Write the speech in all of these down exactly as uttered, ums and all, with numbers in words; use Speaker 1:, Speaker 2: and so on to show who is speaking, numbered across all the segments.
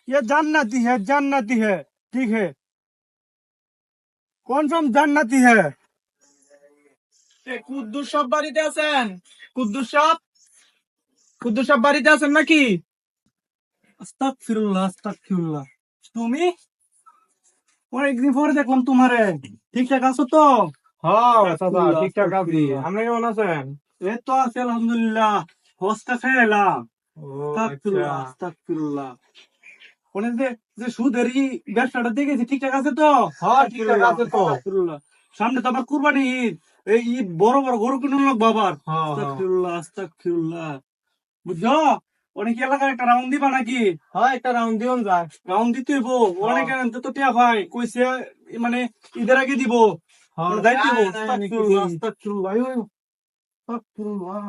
Speaker 1: ये जन्नती है, जन्नती है। ठीक है, কনফার্ম জান্নাতি है।
Speaker 2: এ কুদ্দুস সব বাড়িতে আছেন? কুদ্দুস সব কুদ্দুস সব বাড়িতে আছেন নাকি?
Speaker 1: আস্তাগফিরুল্লাহ, আস্তাগফিরুল্লাহ। তুমি অনেকদিন পরে দেখলাম তোমারে। ঠিকঠাক আছো তো?
Speaker 2: হ্যাঁ চাচা,
Speaker 1: আস্তাগফিরুল্লাহ,
Speaker 2: ঠিকঠাক আছি।
Speaker 1: আস্তাগফিরুল্লাহ।
Speaker 2: আপনি কেমন আছেন?
Speaker 1: এই তো আছি আলহামদুলিল্লাহ। হজটা খেয়ে এলাম।
Speaker 2: ও আচ্ছা।
Speaker 1: আস্তাগফিরুল্লাহ, আস্তাগফিরুল্লাহ। ওনে যে যে সুদের ই ব্যবসাটা দেখেছি ঠিকঠাক আছে তো?
Speaker 2: হ্যাঁ ঠিকঠাক আছে তো।
Speaker 1: আস্তাগফিরুল্লাহ। সামনে তো আবার কুরবানি ঈদ। এই ঈদ বড় বড় গরু কিনুন লোক বাবার।
Speaker 2: হ্যাঁ হ্যাঁ
Speaker 1: আস্তাগফিরুল্লাহ, আস্তাগফিরুল্লাহ। বুঝছো? অনেক এলাকার একটা রাউন্ড দিবা নাকি?
Speaker 2: হ্যাঁ একটা রাউন্ড দিন যায়।
Speaker 1: রাউন্ড দিতে হইব। অনেক তো তো টিয়া ভাই কইছে মানে ঈদের আগে দিব।
Speaker 2: হ্যাঁ
Speaker 1: মানে দায়িত্ব দিব।
Speaker 2: তাই নাই নাকি?
Speaker 1: আস্তাগফিরুল্লাহ, আস্তাগফিরুল্লাহ। আয়ো, আয়ো। আস্তাগফিরুল্লাহ।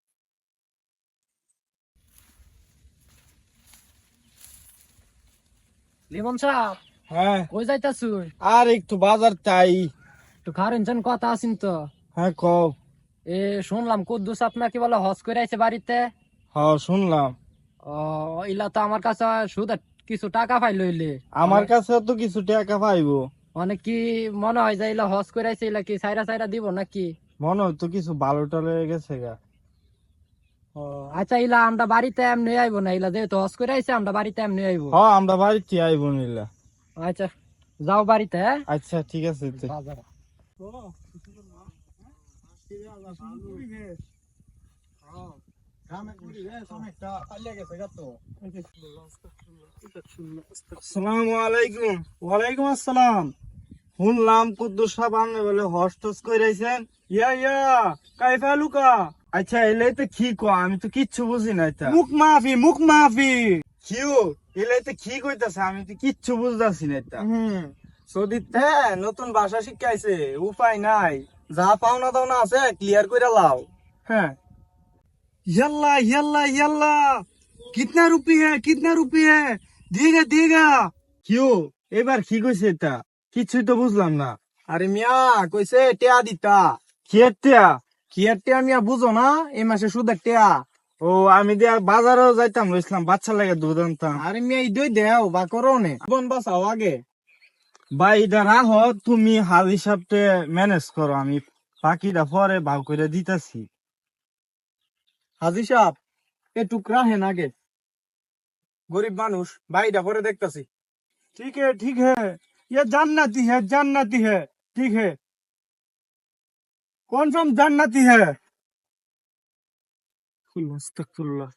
Speaker 3: লিমন সাহেব
Speaker 2: হ্যাঁ
Speaker 3: কই যাইতাছুই?
Speaker 2: আর একটু বাজার চাই।
Speaker 3: একটু খারেন চান কথা আছেন তো।
Speaker 2: হ্যাঁ কও।
Speaker 3: এ শুনলাম কুদ্দুস আপনাকে বলে হজ করে আইছে বাড়িতে।
Speaker 2: হ্যাঁ শুনলাম।
Speaker 3: ও ইলা তো আমার কাছে শুধু কিছু টাকা পাই লইলে
Speaker 2: আমার কাছে তো কিছু টাকা পাইবো।
Speaker 3: অনেক কি মনে হয় যে ইলা হজ করে আইছে, ইলা কি সাইরা সাইরা দিব নাকি?
Speaker 2: মনে হয় তো কিছু ভালো টালো গেছে গা।
Speaker 3: ও আচ্ছা, ইলা আমরা বাড়িতে এমনি আইবো না, ইলা যেহেতু হজ করে আইছে আমরা বাড়িতে এমনি আইবো।
Speaker 2: হ্যাঁ আমরা বাড়িতে আইবো নিলা।
Speaker 3: আচ্ছা যাও বাড়িতে। হ্যাঁ
Speaker 2: আচ্ছা ঠিক আছে তো।
Speaker 3: বাজার।
Speaker 2: আসসালামু আলাইকুম।
Speaker 1: ওয়ালাইকুম আসসালাম।
Speaker 2: শুনলাম কুদ্দুস সাহেব আপনি বলে হজ টস কইরাইছেন।
Speaker 1: ইয়া ইয়া কাইফা লুকা।
Speaker 2: আচ্ছা এলে তো কি কো, আমি তো কিচ্ছু বুঝি না এটা।
Speaker 1: মুখ মাফি, মুখ মাফি।
Speaker 2: কিউ এলে তো কি কইতাছে, আমি তো কিচ্ছু বুঝতাছি না এটা।
Speaker 1: হুম।
Speaker 2: সৌদিতে নতুন ভাষা শিখাইছে, উপায় নাই। যা পাওনা দাওনা আছে ক্লিয়ার কইরা লাও।
Speaker 1: হ্যাঁ। यल्ला यल्ला यल्ला कितना रुपी है, कितना रुपी है? देगा देगा।
Speaker 2: কিউ এবার কি কইছে এটা? কিছুই তো বুঝলাম না। আরে মিয়া কইছে টেয়া দিতা। কি টেয়া? কি টেয়া মিয়া বুঝো না? এই মাসে সুদের টেয়া। ও আমি দিয়া বাজারেও যাইতাম রইছিলাম বাচ্চা লাগে দুধ আনতাম। আরে মিয়া ইদই দেও বা করো নে। বোন বাসাও আগে। ভাই এটা রাখো, তুমি হাল হিসাবতে ম্যানেজ করো, আমি বাকিটা পরে ভাগ করে দিতেছি। হাজি সাহেব একটু রাহেন আগে, গরিব মানুষ ভাইটা পরে দেখতাছি।
Speaker 1: ठीक है ठीक है, ये जन्नती है, जन्नती है। ठीक है, कौन सा जन्नती है? अस्तगफिरुल्लाह।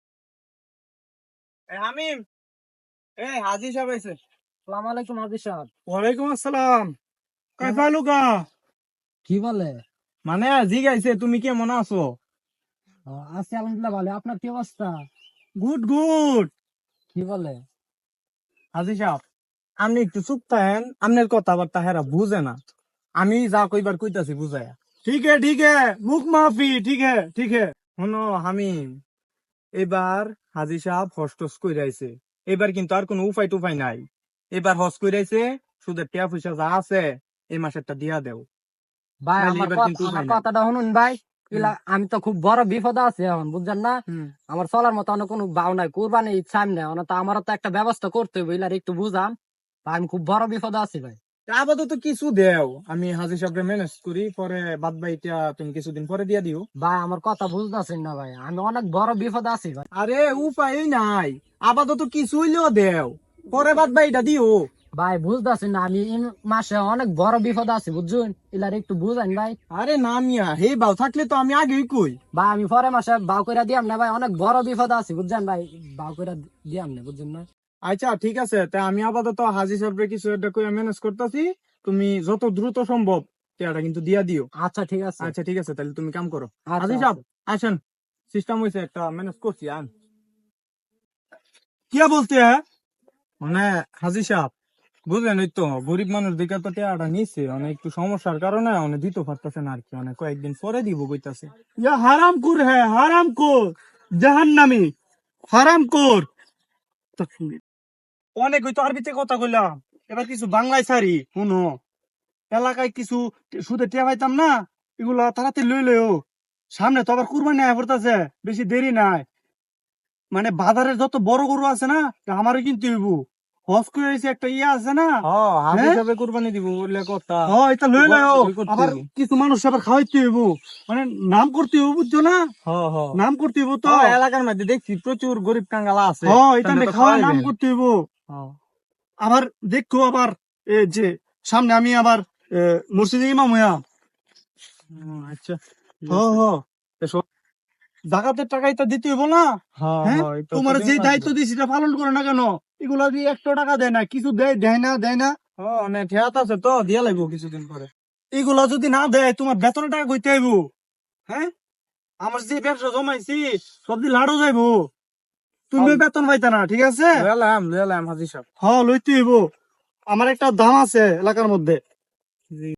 Speaker 2: এ হামিম, এ হাজি সাহেব আইছে।
Speaker 3: আসসালামু আলাইকুম হাজি সাহেব।
Speaker 1: वालेकुम अस्सलाम। कैसा लुका?
Speaker 3: কি বলে?
Speaker 2: মানে জিগাইছে তুমি কেমন আছো।
Speaker 3: ও, আছি আলহামদুলিল্লাহ ভালো। আপনার কি অবস্থা?
Speaker 1: Good good.
Speaker 3: কি বলে?
Speaker 2: হাজি সাহেব আপনি একটু চুপ থাকেন, আপনার কথাবার্তা হেরা বুঝে না। আমি যা কইবার কইতাছি বুঝায়া।
Speaker 1: ठीक है ठीक है, मुख माफी। ठीक है ठीक है।
Speaker 2: শোনো হামিম, এবার হাজি সাহেব হস্টস কইরাইছে, এবার কিন্তু আর কোনো উপায় টুপাই নাই। এবার হস কইরাইছে, সুদের টিয়া পয়সা যা আছে এই মাসেরটা দিয়া দেও।
Speaker 3: ভাই
Speaker 2: নাহলে
Speaker 3: আমার
Speaker 2: এবার
Speaker 3: কথা-
Speaker 2: কিন্তু উপায়
Speaker 3: আমার
Speaker 2: নাই।
Speaker 3: কথাটা শুনুন ভাই। ইলা আমি তো খুব বড় বিপদে আছি এখন, বুঝছেন না?
Speaker 2: হুম।
Speaker 3: আমার চলার মতো অনেক কোনো বাউ নাই, কুরবানি ঈদ সামনে, অনেক তো আমারও তো একটা ব্যবস্থা করতে হবে, ইলার একটু বুঝান ভাই, আমি খুব বড় বিপদে আছি ভাই।
Speaker 2: আপাতত কিছু দেও, আমি হাজি সাহেবকে ম্যানেজ করি, পরে বাদ বাইটা তুমি কিছুদিন পরে দিয়া দিও।
Speaker 3: ভাই আমার কথা বুঝতেছেন না ভাই, আমি অনেক বড় বিপদে আছি ভাই।
Speaker 2: আরে উপায় নাই, আপাতত কিছু হইলেও দেও, পরে বাদ বাইটা দিও।
Speaker 3: ভাই বুঝতেছেন না, আমি এই মাসে অনেক বড় বিপদে আছি বুঝছেন, ইলার একটু বুঝান ভাই।
Speaker 2: আরে না মিয়া, হে বাউ থাকলে তো আমি আগেই কই।
Speaker 3: ভাই আমি পরে মাসে বাউ করে দিয়াম না ভাই, অনেক বড় বিপদে আছি বুঝছেন ভাই, বাউ করে দিয়াম না, বুঝছেন না?
Speaker 2: আচ্ছা ঠিক আছে, তা আমি আপাতত হাজি সাহেবকে কিছু একটা কইয়া ম্যানেজ করতেছি, তুমি যত দ্রুত সম্ভব টিয়াটা কিন্তু দিয়া দিও।
Speaker 3: আচ্ছা ঠিক আছে।
Speaker 2: আচ্ছা ঠিক আছে, তাহলে তুমি কাম করো।
Speaker 3: আচ্ছা,
Speaker 2: হাজি সাহেব আসেন, সিস্টেম হয়েছে একটা ম্যানেজ করছি আন।
Speaker 1: क्या बोलते हैं?
Speaker 2: মানে হাজি সাহেব বুঝলেন, ওই তো গরিব মানুষ দিকে তো টিয়াটা নিচ্ছে, অনেক একটু সমস্যার কারণে অনেক দিতে পারতেছে না আর কি, অনেক কয়েকদিন পরে দিব কইতাছে।
Speaker 1: ये हराम खोर है, हराम खोर, जहन्नमी, हराम खोर। অনেক হইতো আরবিতে কথা কইলাম, এবার কিছু বাংলায় সারি শুনো। এলাকায় কিছু সুদে টিয়া পাইতাম না, এগুলা তাড়াতাড়ি লই লইও। সামনে তো আবার কুরবানি আয়া পড়তাছে, বেশি দেরি নাই। মানে বাজারের যত বড় গরু আছে না আমারও কিনতে হইব। হজ করে এসে একটা ইয়ে আছে না,
Speaker 2: হ্যাঁ হাত
Speaker 1: হ্যাঁ?
Speaker 2: হিসাবে কুরবানি দিব বললে কথা।
Speaker 1: হ্যাঁ এটা লই লই
Speaker 2: ওই করতে
Speaker 1: আবার
Speaker 2: হইবো।
Speaker 1: কিছু মানুষ আবার খাওয়াইতে হইব, মানে নাম করতে হইব, বুঝছো না?
Speaker 2: হ্যাঁ হ্যাঁ
Speaker 1: নাম করতে হইব তো।
Speaker 2: হ্যাঁ, এলাকার মধ্যে দেখছি প্রচুর গরিব কাঙ্গালা আছে।
Speaker 1: হ্যাঁ এটা
Speaker 2: তাদের
Speaker 1: নে
Speaker 2: তো
Speaker 1: খাওয়া নাম
Speaker 2: খাওয়াইবেন।
Speaker 1: করতে হইব।
Speaker 2: হ্যাঁ।
Speaker 1: আবার দেখো আবার এ যে সামনে আমি আবার এ, মসজিদে ইমাম হইয়া।
Speaker 2: হুম, আচ্ছা ঠিক
Speaker 1: হ্যাঁ
Speaker 2: আছে।
Speaker 1: হ্যাঁ
Speaker 2: তো সব-
Speaker 1: জাকাতের টাকা এটা দিতে হইব না?
Speaker 2: হ্যাঁ
Speaker 1: হ্যাঁ
Speaker 2: হ্যাঁ এটা তো
Speaker 1: তোমার যে
Speaker 2: দেওয়া
Speaker 1: দায়িত্ব
Speaker 2: লাগবে।
Speaker 1: দিয়েছি সেটা পালন করে না কেন? এগুলা দিয়ে একশো টাকা দেয় না, কিছু দেয় দেয় না দেয় না।
Speaker 2: হ্যাঁ অনেক ঠেয়াত আছে তো দিয়া লাগবো কিছুদিন পরে।
Speaker 1: এগুলা যদি না দেয় তোমার বেতনের টাকা কইতে আইব। হ্যাঁ আমার যে ব্যবসা জমাইছি সব দিয়ে লাড়ো যাইবো, তুমি
Speaker 2: হ্যাঁ।
Speaker 1: বেতন পাইতা না, ঠিক আছে?
Speaker 2: লয়ালাম লয়ালাম হাজি সাহেব।
Speaker 1: হ্যাঁ লইতে হইব। আমার একটা দাম আছে এলাকার মধ্যে।